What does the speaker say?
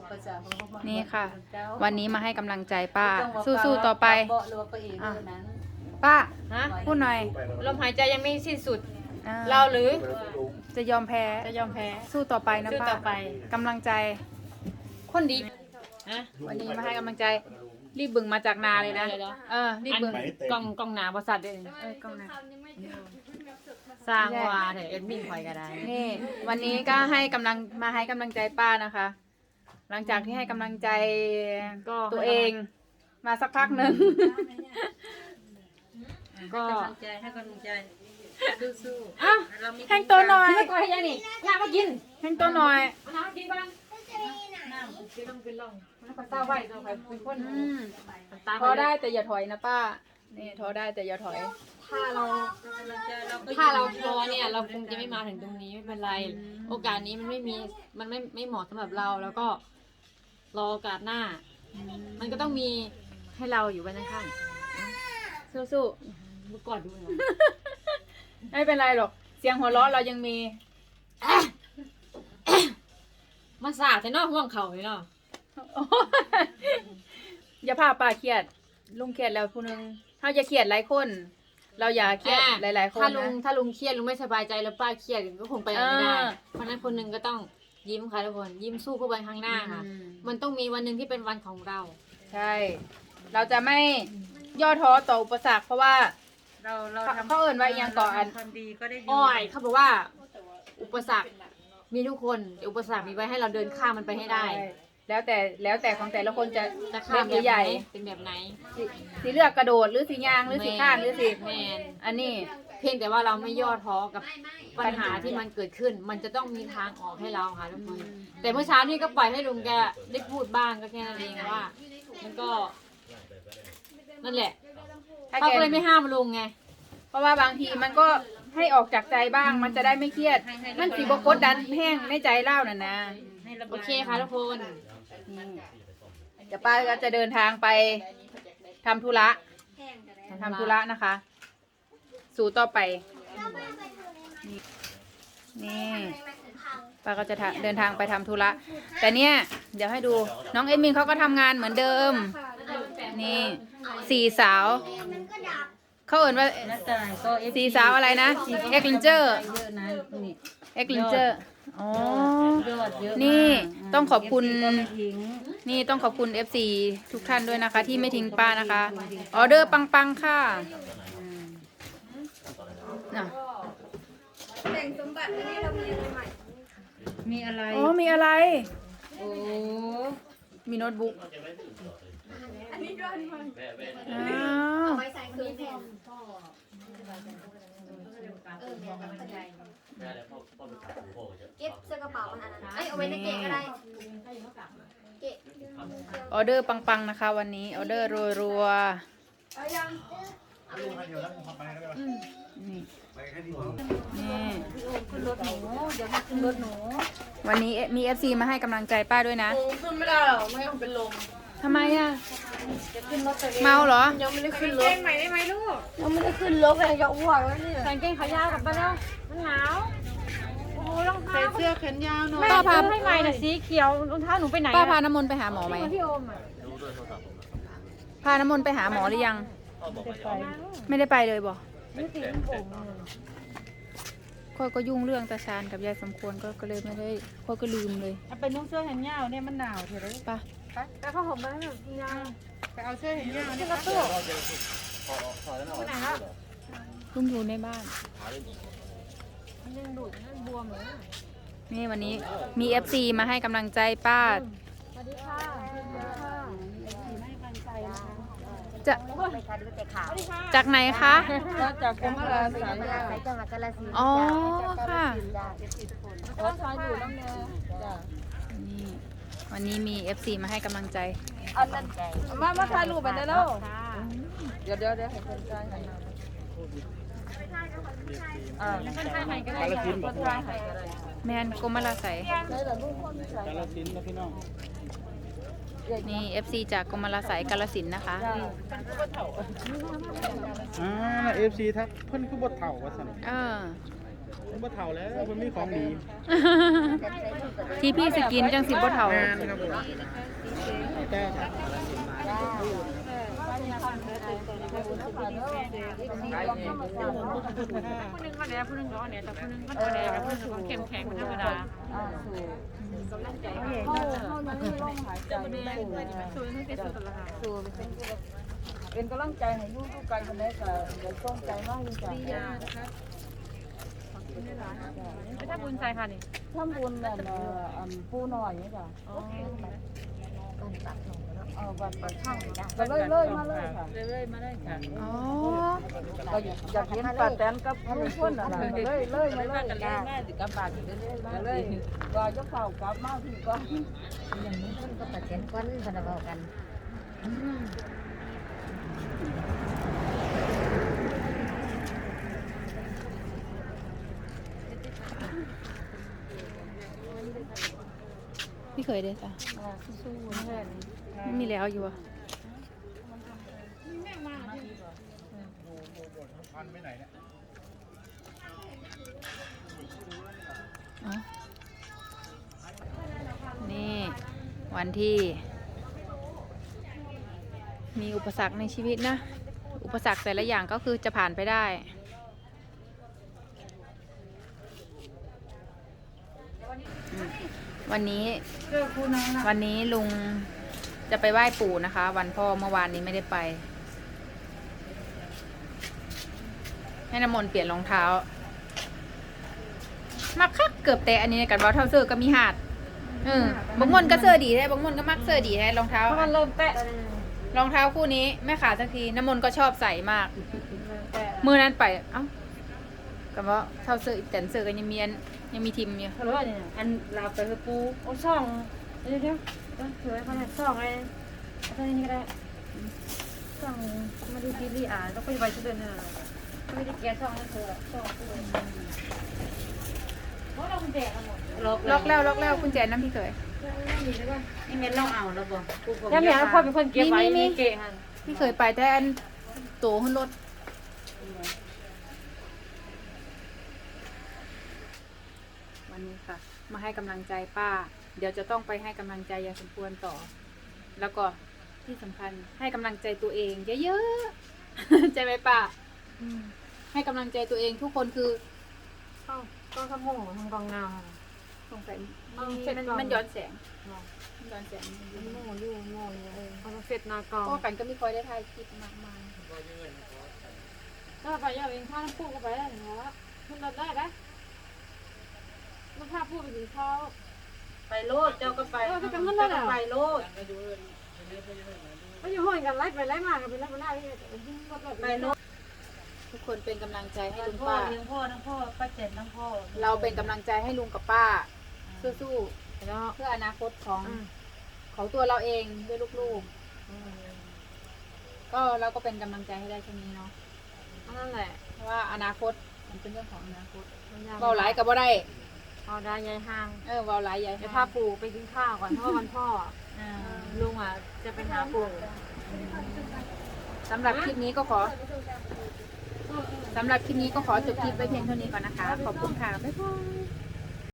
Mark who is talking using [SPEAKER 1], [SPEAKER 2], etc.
[SPEAKER 1] นี่ค่ะ วันนี้มาให้กำลังใจป้าสู้ๆต่อไปป้า
[SPEAKER 2] ฮะ
[SPEAKER 1] พูดหน่อย
[SPEAKER 2] ลมหายใจยังไม่สิ้นสุด
[SPEAKER 1] อ่
[SPEAKER 2] เราหรือ
[SPEAKER 1] จะยอมแพ้
[SPEAKER 2] จะยอมแพ้
[SPEAKER 1] สู้ต่อไปนะ
[SPEAKER 2] สู้
[SPEAKER 1] ป้า
[SPEAKER 2] ต่อไป
[SPEAKER 1] กำลังใจ
[SPEAKER 2] คนดีฮะ
[SPEAKER 1] วันนี้มาให้กำลังใจ รีบบึงมาจากนาเลยนะ
[SPEAKER 2] เดี๋ยว
[SPEAKER 1] รีบบึง
[SPEAKER 2] กล้องหนาบริษัทเลย
[SPEAKER 1] กล้องนะ
[SPEAKER 2] สร้างว่าเถอะเอ็ดมินคอยก็ได้
[SPEAKER 1] นี่ วันนี้ก็ให้กำลังใจป้านะคะ หลังจากที่ให้กำลังใจ
[SPEAKER 2] ก็
[SPEAKER 1] ตัวเองมาสักพักหนึ่ง
[SPEAKER 2] ก็
[SPEAKER 3] ให้กำลังใจสู้
[SPEAKER 1] อ้าวแห้งตัวหน่อย
[SPEAKER 2] ไม่ก่อยยังนี่อยากมากิน
[SPEAKER 1] แห้งตัวหน่อย
[SPEAKER 2] น้ำกินบ้างน้ำกินต้องเป็นร่องมันก็ตาไหวตัวใครเป็นคน ตา
[SPEAKER 1] ท้อได้แต่อย่าถอยนะป้า นี่ท้อได้แต่อย่าถอย
[SPEAKER 2] ถ้าเราท้อเนี่ยเราคงจะไม่มาถึงตรงนี้ไม่เป็นไร โอกาสนี้มันไม่เหมาะสำหรับเราแล้วก็รอโอกาสหน้า มันก็ต้องมีให้เราอยู่ไว้ข้าง
[SPEAKER 1] สู้
[SPEAKER 2] ๆเมื่อก่อนดูนะ
[SPEAKER 1] ๆไม่เป็นไรหรอก เสียงหัวเราะเรายังมี
[SPEAKER 2] มาสาดใส่นอกห่วงเขาเลยเนาะ
[SPEAKER 1] อย่าพาป้าเครียด ลุงเครียดแล้วผู้หนึงเขาจะเครียดหลายคน เราอย่าเครียดหลายๆคน
[SPEAKER 2] ถ้าลุ
[SPEAKER 1] นะ
[SPEAKER 2] งเครียดลุงไม่สบายใจแล้วป้าเครียดก็คงไปไม่ได้ เพราะฉะนั้นคนหนึ่งก็ต้องยิ้มค่ะทุกคนยิ้มสู้เพื่อวันข้างหน้าค่ะ มันต้องมีวันหนึ่งที่เป็นวันของเรา
[SPEAKER 1] ใช่ เราจะไม่ย่อท้อต่ออุปสรรคเพราะว่า
[SPEAKER 3] เราทำ
[SPEAKER 1] เขาเอิ่นว่าอีหยังก่อน
[SPEAKER 3] ความดีก็ได้ดี
[SPEAKER 2] อ้อยเขาบอกว่า อุปสรรคมีทุกคนแต่อุปสรรคมีไว้ให้เราเดินข้ามมันไปให้ได้
[SPEAKER 1] แล้วแต่ของแต่ละคนจะ
[SPEAKER 2] จะข้ามแบบ
[SPEAKER 1] เล็กหรือ
[SPEAKER 2] ไห
[SPEAKER 1] ให
[SPEAKER 2] น
[SPEAKER 1] ญ่
[SPEAKER 2] เป็นแบบไหน
[SPEAKER 1] สีเลือกกระโดดหรือสียางหรือสีข้านหรือสี
[SPEAKER 2] แมน
[SPEAKER 1] อันนี้
[SPEAKER 2] เพียงแต่ว่าเราไม่ย่อท้อกับปัญหาที่มันเกิดขึ้น มันจะต้องมีทางออกให้เราค่ะทุกคนแต่เมื่อเช้านี่ก็ปล่อยให้ลุงแกได้พูดบ้างก็แค่นั้นเองว่า มันก็นั่นแหละ
[SPEAKER 1] ถ้า
[SPEAKER 2] เขา
[SPEAKER 1] แก
[SPEAKER 2] ก็เลยไม่ห้ามลุงไง
[SPEAKER 1] เพราะว่าบางทีมันก็ให้ออกจากใจบ้าง มันจะได้ไม่เครียด มันสีบกดดันแห้งในใจเล่าน่ะนะ
[SPEAKER 3] ให้ระบาย
[SPEAKER 2] โอเคค่ะทุกคน
[SPEAKER 1] เดี๋ยวป้าก็จะเดินทางไปทำธุระนะคะ สู่ต่อไป นี่ป้าก็จะเดินทางไปทำธุระ แต่เนี่ย เดี๋ยวให้ดู น้องเอมินเขาก็ทำงานเหมือนเดิม นี่สี่สาว เขาเอ่นว่า
[SPEAKER 3] น้าตายก็
[SPEAKER 1] สี่สาวอะไรนะเอ็กลินเจอร์
[SPEAKER 3] เยอะนะนี่
[SPEAKER 1] เอ็กลินเจอร์อ๋อย
[SPEAKER 3] อดเยอะ
[SPEAKER 1] นี่ต้องขอบคุณ
[SPEAKER 3] ก็ไม่ทิ้ง
[SPEAKER 1] นี่ต้องขอบคุณ FC ทุกท่านด้วยนะคะ ที่ไม่ทิ้งป้านะคะ ออเดอร์ปังๆค่ะน่ะ
[SPEAKER 3] มีอะไร
[SPEAKER 1] อ๋อมีอะไร
[SPEAKER 3] โอ้
[SPEAKER 1] มีโน้ตบุ๊กอ้าว
[SPEAKER 4] เก็บเสื้อกระเป๋าอันนั้นเอ้ยเอาไว้ในเกะก็ได้เกะ
[SPEAKER 1] ออเดอร์ปังๆนะคะ วันนี้ออเดอร์รัวๆนี่นี่วันนี้มี FC มาให้กำลังใจป้าด้วยนะ
[SPEAKER 2] ขึ้นไม่ได้หรอกไม่ต้องเป็นลม
[SPEAKER 1] ทำไมอ่ะเมาเหรอ
[SPEAKER 2] ยังไม่ได้ขึ้นรถใหม่ได้ไหมลูก
[SPEAKER 4] ยังไม่ได้ขึ้นรถเลยจะอ้วกแล้วเนี่ย
[SPEAKER 2] ใส่กางเกงขายาวกลับไปแล้วมันหนาวโอ้โหรองเท้า
[SPEAKER 3] เสื้อแขนยาวหน่อย
[SPEAKER 2] แม่ซื้อให้ใหม่น่ะสีเขียวรองเท้าหนูไปไหน
[SPEAKER 1] ป้าพาน้ำมนต์ไปหาหมอไหม
[SPEAKER 2] พี่โอมอ่ะ
[SPEAKER 1] พาน้ำมนต์ไปหาหมอหรือยัง ไม่ได้ไปเลยบอก
[SPEAKER 2] นี่สีผม
[SPEAKER 1] ค่อยก็ยุ่งเรื่องตาชานกับยายสมควรก็เลยไม่ได้ค่อยก็ลืมเลย
[SPEAKER 3] เอาไปนุ่งเสื้อแขนยาวเนี่ยมันหนาวเถอะเลย
[SPEAKER 1] ไป่ะ
[SPEAKER 2] แต่ผ้าห่มไปแล้วยัง
[SPEAKER 3] ไปเอาเสื้อแขนยาว
[SPEAKER 2] ขึ้
[SPEAKER 3] เนี่
[SPEAKER 2] น
[SPEAKER 3] ย
[SPEAKER 2] รถตู้ไปไหนแล้ว
[SPEAKER 1] ลุงอยู่ในบ้าน
[SPEAKER 2] มันยังดูดนั่นบวมเลย
[SPEAKER 1] นี่วันนี้มี FC มาให้กำลังใจป้า
[SPEAKER 2] สวัสดีค่ะ
[SPEAKER 1] จะ
[SPEAKER 4] ไปค่ะดูแต่ข่าว
[SPEAKER 1] จากไหนคะ
[SPEAKER 3] จากกรมอาราสาย
[SPEAKER 4] ใครจังหวัดกาฬสินธุ์
[SPEAKER 1] อ๋อค่ะ
[SPEAKER 2] ต้องซอยอยู่น้ำเนย
[SPEAKER 1] นี่วันนี้มี FC มาให้กำลังใจ
[SPEAKER 2] อันนั้นมาถ่ายรูปไปได้แล้วเดี๋ยวให้คนถ่ายให้คนถ่ายให้ก็ได้คนถ่ายให้ก็ได้
[SPEAKER 1] แมนกรมราใสย
[SPEAKER 2] ได้แต่ลูกคนถ่าย
[SPEAKER 3] กาลสินธุ์นะพี่น้อง
[SPEAKER 1] นี่ FC จากกรมราใสยกาฬสินธุ์นะคะ
[SPEAKER 3] เอฟซีทักเพิ่นคือบทเถ่าว่าสัน
[SPEAKER 1] เออ
[SPEAKER 3] มันบ่เฒ่าแล้วมันมีของดี
[SPEAKER 1] ที่พี่สกินจังสิบ่เฒ่า
[SPEAKER 3] งานครับผมแต่ครับ
[SPEAKER 2] ผู้นึงก็แดงผู้นึงก็เนี่ยแต่ผู้นึงก็ตัวแดงผู้นึงก็เข้มแข็งธรรมดา
[SPEAKER 3] เข้ามันมีลมหายใจ
[SPEAKER 2] สูงที่สุดแล้วค่ะ
[SPEAKER 3] เป็นกำลังใจให้อยู่ทุกกันคนนี้ก็เดี๋ยวส่งใจมากจริงๆ
[SPEAKER 2] ไปทำบุญใจค่ะนี่
[SPEAKER 3] ทำบุญแบบปูหน่อยนี่จ้ะบัตรประชาชนก็เลยมาเลยค่ะเลยมาเลยค่ะ
[SPEAKER 1] อ๋อ
[SPEAKER 3] ก็อยากเห็นป้าแตนกับลุงพลน่ะนะเลยมาเลยจ้ะกับป้าที่เลยก็ยกเข่ากลับมาพี่ก็
[SPEAKER 4] อย่างนี้เพิ่นก็ตัดเสียนก้อนพนักงานกัน
[SPEAKER 1] พี่เคยได้จ้ะ
[SPEAKER 3] สู้ๆแม่
[SPEAKER 1] ไม่มีแล้วอยู่อ่ะอ๋อนี่วันที่ มีอุปสรรคในชีวิตนะ อุปสรรคแต่ละอย่างก็คือจะผ่านไปได้ วันนี้ลุงจะไปไหว้ปู่นะคะ วันพ่อเมื่อวานนี้ไม่ได้ไป ให้น้ำมนต์เปลี่ยนรองเท้า มักคักเกือบแต่อันนี้กันว่าเท่าเสื้อก็มีหาดบางมนก็เสื้อดีแท้บางมนก็มักเสื้อดีแท้รองเท้า
[SPEAKER 2] มันเริ่มแตะ
[SPEAKER 1] รองเท้าคู่นี้ไม่ขาดสักทีน้ำมนต์ก็ชอบใส่มาก มือนั้นไปเอ้ากับว่าเท่าเสื้อแต่เสื้อก็ยังมีทิมอยู่
[SPEAKER 2] เขาเรียกว่าเนี่ยอันลาไปคือปูโอ้ช่องเดี๋ยวสวยขนาดช่องเลยอะไรนี่ก็ได้ช่องมาดูซีรีส์แล้วก็ไปชุดเดินเนี่ยไม่ได้แกะช่องให้เธอช่องเลยเพราะเราคุณแจกกันหมด
[SPEAKER 1] ล็อกแล้วกุญแจน้ำพี่เคย
[SPEAKER 3] นี่เม็ดลองเอาแล้วบ่
[SPEAKER 2] ถ้ามีพ่อเป็นคนเก็บไว้มีเกะหัน
[SPEAKER 1] พี่เคยไปแต่อันโตขึ้นรถวันนี้ค่ะ มาให้กำลังใจป้า เดี๋ยวจะต้องไปให้กำลังใจยายสมควรต่อ แล้วก็ที่สำคัญให้กำลังใจตัวเองเยอะๆ ใจไหมป้าให้กำลังใจตัวเองทุกคนคือ
[SPEAKER 2] ก็ขโมยทางกองเงา
[SPEAKER 1] สงสัย
[SPEAKER 2] เสร็จก่อน
[SPEAKER 1] มันย้อนแสงมันย้อนแสง
[SPEAKER 2] โม่ยู่โม่เลยเขาเสร็จนากอง
[SPEAKER 1] เพราะกันก็ไม่ค่อยได้ถ่ายคลิปมากมาย
[SPEAKER 2] ถ้าไปยาวเองข้าวน้ำปูก็ไปได้เหรอคุณรับได้ไหมมันพาพูดไปถึงเขา
[SPEAKER 3] ไปโลดเจ้าก็ไป
[SPEAKER 2] ไป
[SPEAKER 3] โลด
[SPEAKER 2] ไม่อยู่ห้องกันไล่ไปไล่มากันไปไล่ไปไล่ไปโลด
[SPEAKER 1] ทุกคนเป็นกำลังใจให้ลุง
[SPEAKER 3] พ่อ
[SPEAKER 1] ป้า
[SPEAKER 3] เลี้ยงพ่อทั้งพ่อป้าเจ็ดทั้งพ่อ
[SPEAKER 1] เราเป็นกำลังใจให้ลุงกับป้าสู้ๆเพื่ออนาคตของตัวเราเองด้วยลูกๆก็เราก็เป็นกำลังใจให้ได้แค่นี้เนาะ
[SPEAKER 2] นั่นแหละ
[SPEAKER 1] เพราะว่าอนาคตมันเป็นเรื่องของอนาคตเบาหลายกับบ่ได้
[SPEAKER 2] เอาได้ยายห้าง
[SPEAKER 1] เบาหลายใหญ่
[SPEAKER 2] จะพาปู่ไปกินข้าวก่อนเพราะวันพ่อลุงจะไปหาปู่
[SPEAKER 1] สำหรับคลิปนี้ก็ขอจบคลิปไว้เพียงเท่านี้ก่อนนะคะ ขอบคุณค่ะบ๊ายบาย